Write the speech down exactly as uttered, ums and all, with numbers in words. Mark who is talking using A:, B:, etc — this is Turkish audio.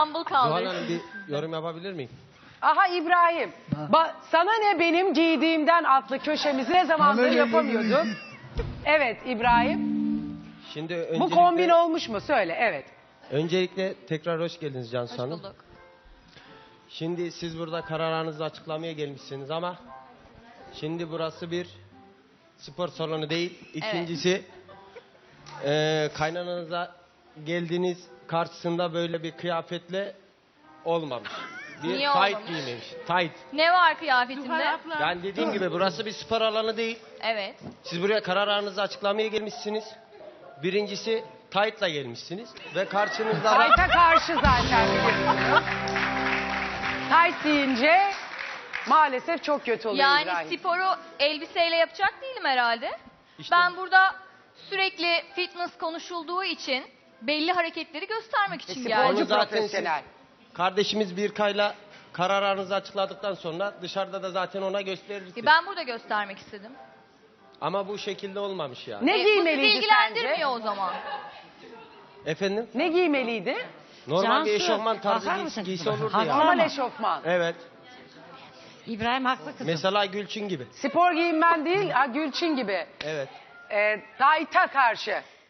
A: İstanbul kaldı.
B: Zuhal Hanım bir yorum yapabilir miyim?
C: Aha İbrahim. Ba sana ne benim giydiğimden adlı köşemizi ne zamandır yapamıyorduk. Evet İbrahim.
B: Şimdi öncelikle,
C: Bu kombin olmuş mu? Söyle. Evet.
B: öncelikle tekrar hoş geldiniz Cansu
A: Hoş
B: Hanım.
A: bulduk.
B: Şimdi siz burada kararınızı açıklamaya gelmişsiniz ama şimdi burası bir spor salonu değil. İkincisi e, kaynananıza geldiğiniz karşısında böyle bir kıyafetle olmamış. Bir
A: Niye
B: tight
A: olmamış?
B: giymemiş. Tight.
A: Ne var kıyafetimde?
B: Yani dediğim gibi burası bir spor alanı değil.
A: Evet.
B: Siz buraya kararınızı açıklamaya gelmişsiniz. Birincisi tight'la gelmişsiniz ve karşınızda da
C: Tayt'a karşı zaten biliyorsunuz. Tayt deyince maalesef çok kötü oluyor
A: Yani
C: İbrahim.
A: sporu elbiseyle yapacak değilim herhalde.
B: İşte-
A: Ben burada sürekli fitness konuşulduğu için belli hareketleri göstermek için
C: E,
A: geldim.
C: sporcu
B: Onu zaten
C: profesyonel.
B: kardeşimiz Birkay'la kararınızı açıkladıktan sonra dışarıda da zaten ona gösterirsiniz.
A: Ben burada göstermek istedim.
B: Ama bu şekilde olmamış yani.
C: Ne
A: E, bu sizi
C: giymeliydi
A: ilgilendirmiyor
C: sence?
A: o zaman.
B: Efendim?
C: Ne giymeliydi?
B: Normal bir
D: Cansu,
B: eşofman tarzı
D: bakar
B: giy-
D: mısın?
B: giysi olurdu
D: Haklı
B: ya.
C: Normal
D: ama.
C: eşofman.
B: Evet.
D: İbrahim haklı kızım.
B: Mesela Gülçin gibi.
C: Spor giyinmen değil, ha, Gülçin gibi.
B: Evet.
C: E, Tayt'a karşı.